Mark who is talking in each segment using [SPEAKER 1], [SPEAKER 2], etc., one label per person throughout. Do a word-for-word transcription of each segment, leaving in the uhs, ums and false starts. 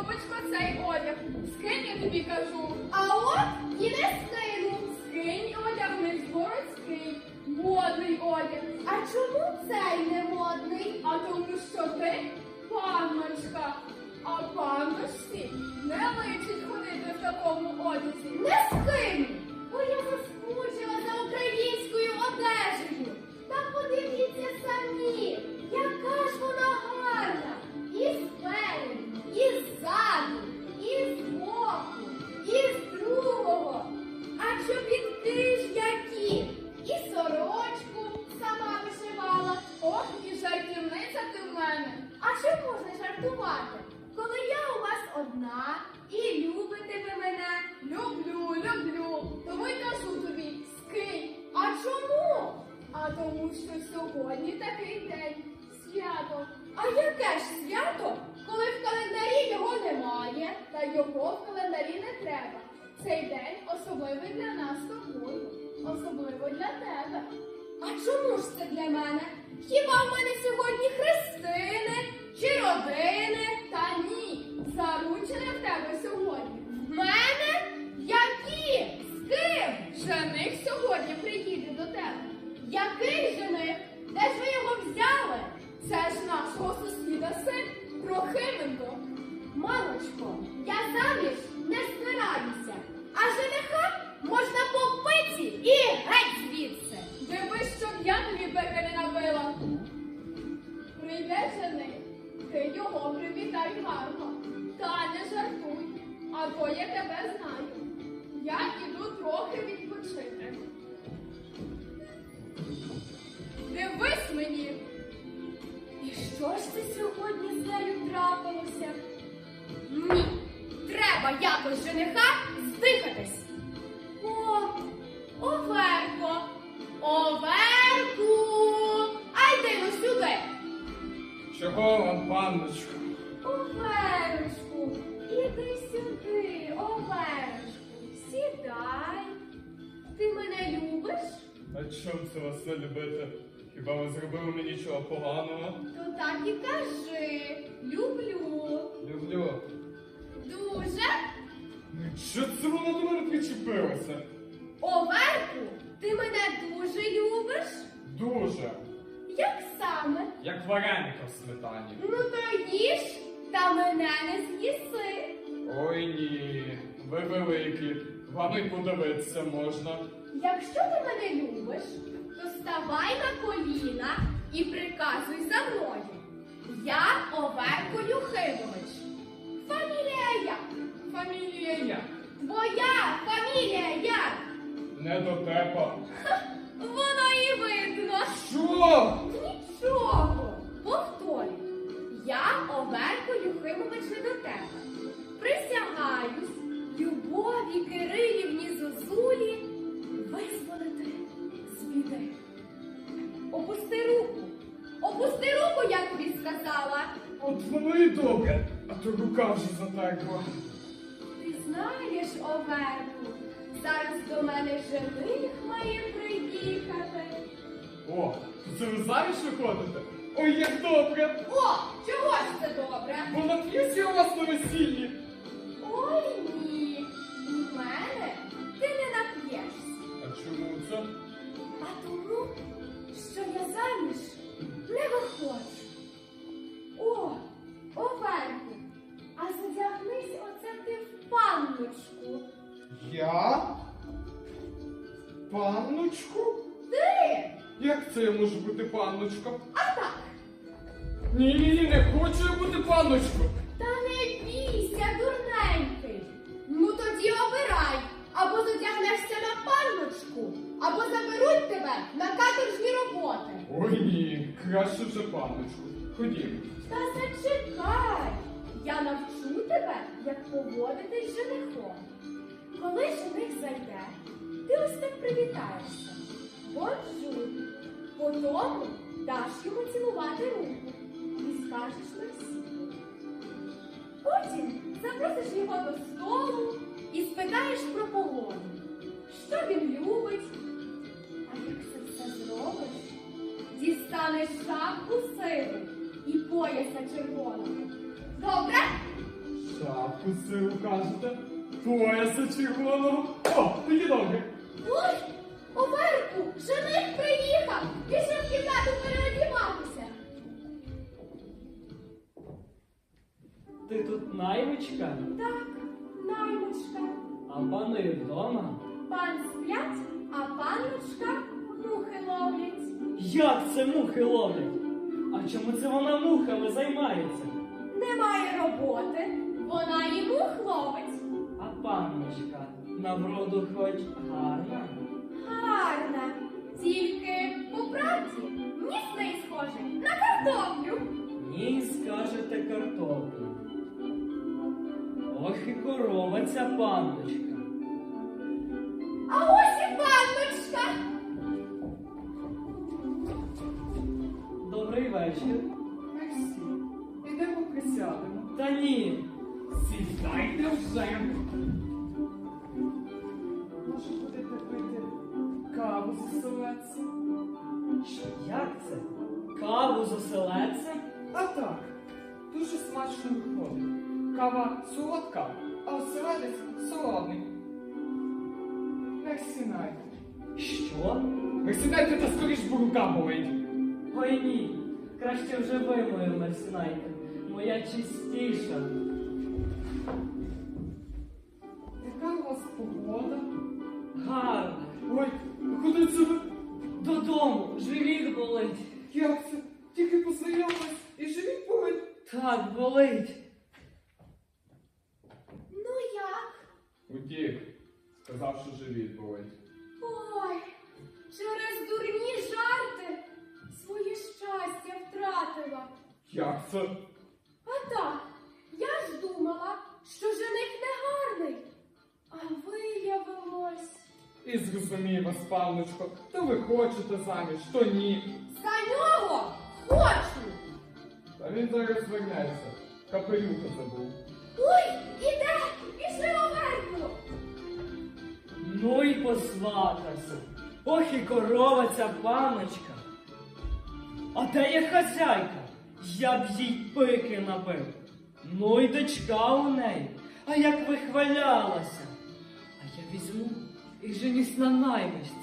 [SPEAKER 1] Любочко, цей одяг. Скинь, я тобі кажу.
[SPEAKER 2] А от і не скину.
[SPEAKER 1] Скинь одяг, не городський, модний одяг.
[SPEAKER 2] А чому цей не модний?
[SPEAKER 1] А тому що ти панночка, а панночці не личить ходити в такому одязі.
[SPEAKER 2] Не скину, бо я заскучила за українською одежею. Та подивіться самі, яка ж вона гарна. І спереду, і ззаду, і збоку, і з другого. А чобітки ж які? І сорочку сама вишивала.
[SPEAKER 1] Ох, і жартівниця ти в мене.
[SPEAKER 2] А що можна жартувати, коли я у вас одна і любите ви мене?
[SPEAKER 1] Люблю, люблю. Тому й кажу тобі, скинь.
[SPEAKER 2] А чому?
[SPEAKER 1] А тому що сьогодні такий день. Свято.
[SPEAKER 2] А яке ж свято, коли в календарі його немає?
[SPEAKER 1] Та його в календарі не треба. Цей день особливий для нас з тобою. Особливо для тебе.
[SPEAKER 2] А чому ж це для мене? Хіба в мене сьогодні хрестини чи родини?
[SPEAKER 1] Та ні, заручене в тебе сьогодні.
[SPEAKER 2] В мене? Які? З ким?
[SPEAKER 1] Жених сьогодні приїде до тебе.
[SPEAKER 2] Який жених? Де ж ви його взяли?
[SPEAKER 1] Це ж нашого сусіда син Прохименко.
[SPEAKER 2] Мамочко, я заміж не збираюся, а жениха можна по пиці і геть звідси.
[SPEAKER 1] Дивись, щоб я тобі пеки не набила. Прийде жених, ти його привітай гарно. Та не жартуй, а то я тебе знаю. Я іду трохи відпочити. Дивись мені.
[SPEAKER 2] І що ж це сьогодні з нею трапилося? Ні, треба якось жениха здихатись. О, Оверко, Оверку, а йди ну сюди.
[SPEAKER 3] Чого вам, панночко?
[SPEAKER 2] Оверочку, іди сюди, Оверочку, сідай. Ти мене любиш?
[SPEAKER 3] А чом це вас не любити? Хіба ви зробили мені чого поганого?
[SPEAKER 2] То так і кажи. Люблю.
[SPEAKER 3] Люблю.
[SPEAKER 2] Дуже.
[SPEAKER 3] Ну що це воно до мене причепилося?
[SPEAKER 2] Оверку, ти мене дуже любиш?
[SPEAKER 3] Дуже.
[SPEAKER 2] Як саме?
[SPEAKER 3] Як вареника в сметані.
[SPEAKER 2] Ну то їж, та мене не з'їси.
[SPEAKER 3] Ой ні, ви великі. Вам і подивитися можна.
[SPEAKER 2] Якщо ти мене любиш, то ставай на коліна і приказуй за мною. Я Оверко Юхимович. Фамілія як?
[SPEAKER 3] Фамілія як?
[SPEAKER 2] Твоя фамілія як?
[SPEAKER 3] Не дотепа.
[SPEAKER 2] Воно і видно.
[SPEAKER 3] Що?
[SPEAKER 2] Нічого. Повторюю. Я Оверко Юхимович не до тебе. Присягаюсь Любові Кирилівні Зозулі визволити з біди. Опусти руку. Опусти руку, я тобі сказала.
[SPEAKER 3] От воно і добре, а то рука вже затерпла.
[SPEAKER 2] Ти знаєш, Оверку, зараз до мене жених має приїхати.
[SPEAKER 3] О, то це ви заміж виходите? Ой, як добре!
[SPEAKER 2] О, чого ж це добре?
[SPEAKER 3] Бо нап'юся у вас на весіллі.
[SPEAKER 2] Ой, ні, від мене ти не нап'єшся.
[SPEAKER 3] А чому це?
[SPEAKER 2] А тому, що я заміж не виходжу. О, Оверку, а задягнись оце ти в панночку.
[SPEAKER 3] Я? Панночку?
[SPEAKER 2] Ти?
[SPEAKER 3] Як це я можу бути панночка?
[SPEAKER 2] А так.
[SPEAKER 3] Ні, ні, ні, не хочу я бути панночкою.
[SPEAKER 2] Та не бійся, дурненький. Ну тоді обирай. Або задягнешся на панночку, або заберуть тебе на каторжні роботи.
[SPEAKER 3] Ой ні, краще вже панночку. Ходімо.
[SPEAKER 2] Та зачекай. Я навчу тебе, як поводитись з женихом. Коли жених зайде, ти ось так привітаєшся. Бонжур. Потому даш йому цілувати руку і скажеш мерсі. Потім запросиш його до столу і спитаєш про погоду. Що він любить? А як це все зробиш, дістанеш шапку сиву і пояса червоного. Добре?
[SPEAKER 3] Шапку сиру кажете, пояса червоного. О, такі добре.
[SPEAKER 2] Ой, Оверку, жених приїхав! Пішли в кімнату переодіватися.
[SPEAKER 4] Ти тут наймичка,
[SPEAKER 2] Так, наймичка.
[SPEAKER 4] а пани вдома?
[SPEAKER 2] Пан сплять, а панночка мухи ловлять.
[SPEAKER 4] Як це мухи ловлять? А чому це вона мухами займається?
[SPEAKER 2] Немає роботи, вона і мух ловить.
[SPEAKER 4] А панночка на вроду хоч гарна?
[SPEAKER 2] Гарна, тільки по правді ніс в неї схожий на картоплю.
[SPEAKER 4] Ні, скажете картоплю. Ох і корова ця панночка.
[SPEAKER 2] А ось і панночка.
[SPEAKER 4] Добрий вечір.
[SPEAKER 3] Мерсі, ідемо присядемо.
[SPEAKER 4] Та ні.
[SPEAKER 3] Сідайте вже. Може, будете пити каву з оселедцем?
[SPEAKER 4] Як це? Каву з оселедцем?
[SPEAKER 3] А так, дуже смачно виходить. Кава солодка, а оселедець солодний. Не сідайте.
[SPEAKER 4] Що?
[SPEAKER 3] Ви сідайте та скоріш, бо рука болить.
[SPEAKER 4] Ой ні. Краще вже ви, мою мерсінайте. Моя чистіша.
[SPEAKER 3] Яка у вас погода?
[SPEAKER 4] Гарна.
[SPEAKER 3] Ой, куди це ви?
[SPEAKER 4] Додому. Живіт болить.
[SPEAKER 3] Як це? Тільки познайомились і живіть болить.
[SPEAKER 4] Так, болить.
[SPEAKER 2] Ну як?
[SPEAKER 3] Утік, сказав, що живіт болить.
[SPEAKER 2] Ой, через дурні жарти своє щастя втратила.
[SPEAKER 3] Як це?
[SPEAKER 2] А так, я ж думала, що жених негарний. А виявилось.
[SPEAKER 3] І зрозумій вас, панночко, то ви хочете заміж, то ні.
[SPEAKER 2] За нього хочу.
[SPEAKER 3] Та він зараз вернеться. Капелюха забув.
[SPEAKER 2] Ой, іде, пішли Оверку.
[SPEAKER 4] Ну і посватався. Ох і корова ця паночка. А де є хазяйка? Я б їй пики набив. Ну й дочка у неї. А як вихвалялася. А я візьму і женюсь на наймичці.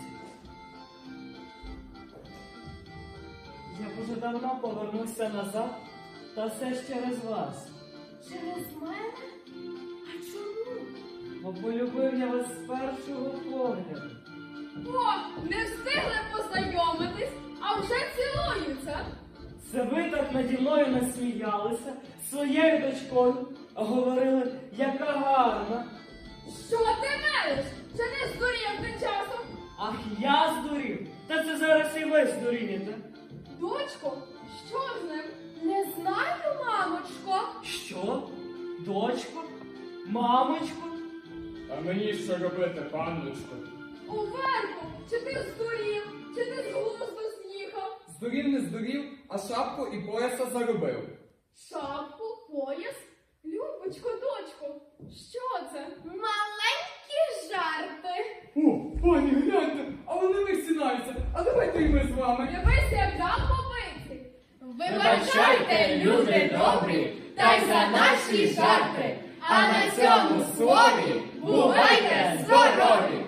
[SPEAKER 4] Я б уже давно повернувся назад, та все ж через вас.
[SPEAKER 2] Через мене? А чому?
[SPEAKER 4] Бо полюбив я вас з першого погляду.
[SPEAKER 1] О, не встигли познайомитись, а вже цілуються.
[SPEAKER 4] Це ви так наді мною насміялися своєю дочкою, а говорили, яка гарна.
[SPEAKER 1] Що ти мелиш? Чи не здурів ти часом?
[SPEAKER 4] Ах, я здурів. Та це зараз і ви здурієте.
[SPEAKER 1] Дочко, що з ним?
[SPEAKER 2] Не знаю, мамочко.
[SPEAKER 4] Що? Дочко? Мамочко?
[SPEAKER 3] А мені що робити, панночко?
[SPEAKER 1] Оверку, чи ти здурів, чи ти з глузду з'їхав?
[SPEAKER 3] Здурів не здурів, а шапку і пояса заробив.
[SPEAKER 1] Шапку, пояс? Любочко, дочко, що це?
[SPEAKER 2] Маленькі жарти.
[SPEAKER 3] О, пані, гляньте, а вони висінаються. А давайте і ми з вами.
[SPEAKER 1] Дивись, як дам побиці.
[SPEAKER 2] Вибачайте, люди добрі, та й за наші жарти. А на цьому слові бувайте здорові!